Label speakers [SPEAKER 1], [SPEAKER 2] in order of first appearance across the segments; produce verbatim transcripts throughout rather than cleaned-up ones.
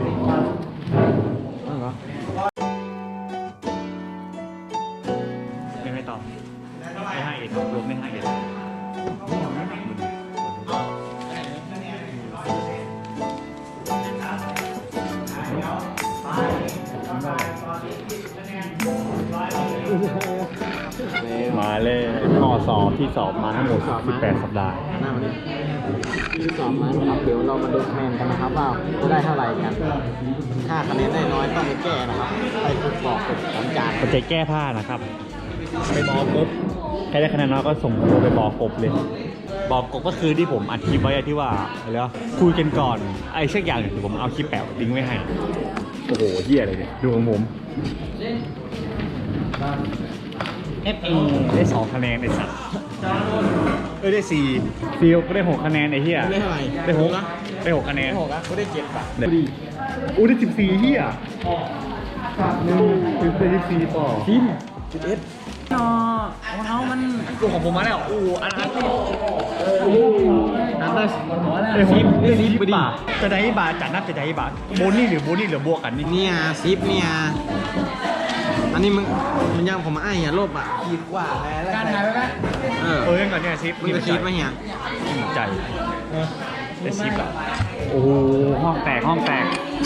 [SPEAKER 1] ไม่ไม่ตอบไม่ให้เอ็ดรวมไม่ให้เอ็ดมาเลยข้อสอบที่สอบมาทั้งหมดสิบแปดสัปดาห์
[SPEAKER 2] หน้ามันนี่ที่สอบมาครับเดี๋ยวเรามาดูคะแนนกันนะครับว่าจะได้เท่าไหร่กันถ้าคะแนนได้น้อยต้องไปแก้นะครับไปฝึกบอกฝึกสัญจาร
[SPEAKER 1] ปัจจัยแก้ผ้านะครับไปบอกกบใครได้คะแนนน้อยก็ส่งตัวไปบอกกบเลยบอกกบก็คือที่ผมอัดคลิปไว้ที่ว่าอะไรวะคุยกันก่อนไอ้เช็คอย่างหนึ่งผมเอาคลิปแปะลิงก์ไว้ให้โอ้โหเหี้ยอะไรเนี่ยดูของผม เอฟ เอ ได้สองคะแนนไอ้สัตว์เออได้สี่ฟิลก็ได้หกคะแนนไอ้เหี้ย
[SPEAKER 2] ได้เท่าไหร่
[SPEAKER 1] ได้หกได้หกคะแนน
[SPEAKER 2] ได้หกอ่ะก็ได้เจ็ดบาท
[SPEAKER 1] อู้ได้สิบสี่เหี้ยหนึ่งสิบสี่ต่อทีม
[SPEAKER 2] สิบเอ็ด
[SPEAKER 1] อ๋อของเขามันกูของผมมาแล้วอู้อันนั้นนั่นได้ได้หกได้สิบบาทจะได้บาทจัดนับจะได้บาทโบนี่หรือโบนี่หรือบวกกันนี่
[SPEAKER 2] เนี่ยซิปเนี่ยอันนี้มึงมันยังผมมาไอ้เหี้ยลบอ่ะขีดกว่าแล้วการถ่ายไปไหมเออ
[SPEAKER 1] เออก่อนเนี่ยซิป
[SPEAKER 2] มึงจะคิดไหมเฮีย
[SPEAKER 1] อิ่มใจได้ซิปอ่ะโอ้โหห้องแตกห้องแตก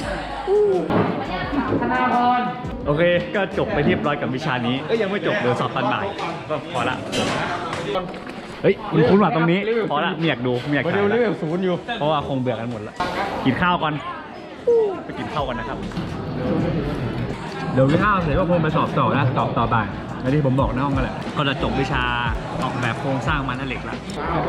[SPEAKER 1] ธนาพรโอเคก็จบไปเรียบร้อยกับวิชานี้ก็ยังไม่จบเดี๋ยวสอบตอนบ่ายก็พอละเฮ้ยคุณคุณว่าตรงนี้พอละไม่อยากดูไม่อยากถ่าย
[SPEAKER 2] เร็ว
[SPEAKER 1] ละ
[SPEAKER 2] เร็วศูนย์อยู่
[SPEAKER 1] เพราะว่าคงเบื่อกันหมดละกินข้าวก่อนไปกินข้าวกันนะครับเดี๋ยวกินข้าวเสร็จก็คงไปสอบต่อนะสอบต่อบ่ายแล้วที่ผมบอกในห้องกันแหละก็จะจบวิชาออกแบบโครงสร้างมันเหล็กละ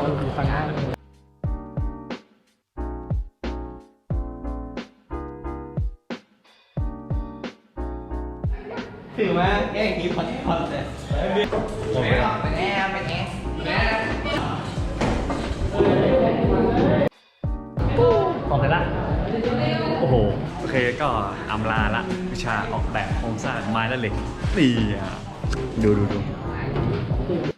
[SPEAKER 2] ถือว่าแก้กีพอดพอดเลยเป็นแอร์เป็นแอร์
[SPEAKER 1] ออกไปละโอ้โหโอเคก็อำลาละวิชาออกแบบโครงสร้างไม้และเหล็กนี่อ่ะดูดูดู